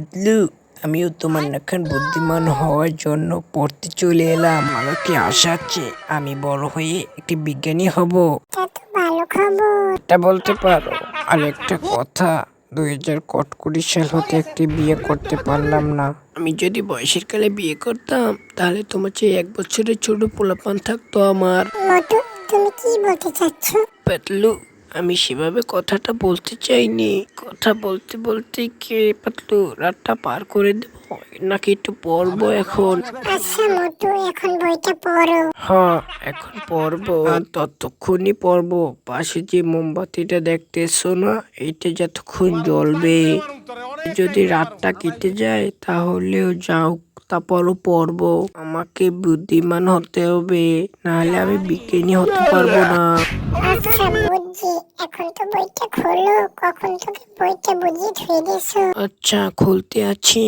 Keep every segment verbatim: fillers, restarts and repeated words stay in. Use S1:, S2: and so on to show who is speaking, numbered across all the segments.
S1: পাতলু, আমিও তোমার নাখান বুদ্ধিমান হওয়ার জন্য পড়তে চলে এলাম। আমার কি আশা আছে আমি বড় হয়ে একটি বিজ্ঞানী হব।
S2: তা তো ভালো খবর।
S1: এটা বলতে পারো। আর একটা কথা, দুই হাজার কটকুড়ি সাল হতে একটি বিয়ে করতে পারলাম না। আমি যদি বয়সের কালে বিয়ে করতাম তাহলে তোমার চেয়ে এক বছরের ছোট পোলাপান থাকতো আমার।
S2: মোটু, তুমি কি বলতে চাচ্ছ?
S1: পাতলু, আমি সেভাবে কথাটা বলতে চাইনি। কথা বলতে বলতে কে পাতলু রাতটা পার করে দেবো নাকি একটু পড়বো এখন?
S2: আচ্ছা মোটু, এখন বইটা পড়ো।
S1: হ্যাঁ, এখন পড়বো। আর ততক্ষণই পড়বো। পাশে যে মোমবাতিটা দেখতেছো না, এইটা যতক্ষণ জ্বলবে। যদি রাতটা কেটে যায় তাহলেও যাও, তারপরও পড়বো। আমাকে বুদ্ধিমান হতে হবে, নাহলে আমি বিজ্ঞানী হতে পারবো না।
S2: আচ্ছা বুঝছি, এখন তো বইটা খোলো। কখন তোকে বইটা বুঝিয়ে ধুয়ে দিয়েছো?
S1: আচ্ছা, খুলতে আছি।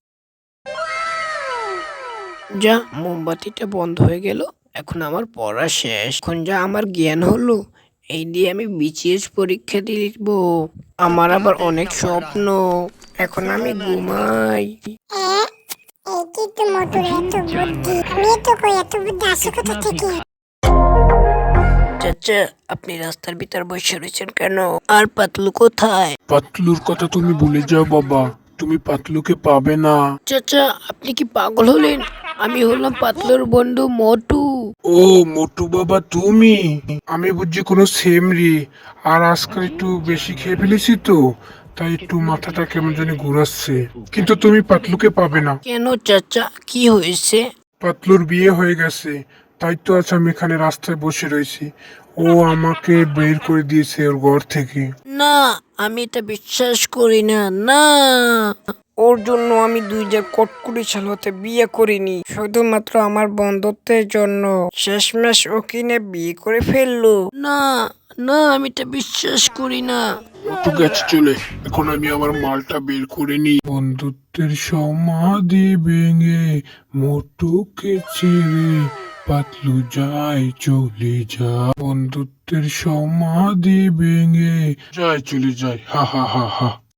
S1: যা, মোমবাতিটা বন্ধ হয়ে গেল। এখন আমার পড়া শেষ। এখন যা আমার জ্ঞান হলো, এই দিয়ে আমি বিসিএস পরীক্ষা দিব। আমার আবার অনেক স্বপ্ন। এখন আমি ঘুমাই।
S2: হ্যাঁ, এইটি তো মোটুর এত বুদ্ধি। আমি তো কই এত বুদ্ধি আসে কোথা থেকে?
S1: চাচা, আপনি রাস্তার ভিতর বসে রয়েছেন কেন? আর পাতলু কোথায়?
S3: পাতলুর কথা তুমি ভুলে যাও বাবা, তুমি পাতলুকে পাবে না।
S1: চাচা, আপনি কি পাগল হলেন? আমি হলাম পাতলুর বন্ধু মোটু।
S3: ও মোটু বাবা তুমি, আমি বুঝছি কোনো সেমরি। আর আজকাল একটু বেশি খেয়ে ফেলেছি তো, তাই একটু মাথাটা কেমন জানি ঘুরাচ্ছে। কিন্তু তুমি পাতলুকে পাবে না।
S1: কেন চাচা, কি হয়েছে?
S3: পাতলুর বিয়ে হয়ে গেছে, তাই তো আজ আমি এখানে রাস্তায় বসে রয়েছি। ও আমাকে বের করে দিয়েছে ওর ঘর থেকে।
S1: না, আমি এটা বিশ্বাস করি না। না, ওর জন্য আমি দুই হাজার কটকুড়ি সাল হতে বিয়ে করিনি, শুধুমাত্র আমার বন্ধুত্বের জন্য। শেষমেশ ও কিনে বিয়ে করে ফেললো। না না, আমি এটা বিশ্বাস করি না।
S3: মোটু গেছে চলে, এখন আমি আমার মালটা বের করে নিই। বন্ধুত্বের সমাধি ভেঙে মোটুকে ছেড়ে পাতলু যায় চলে যা। বন্ধুত্বের সমাধি ভেঙে যায় চলে যায়, হা হা হা হা।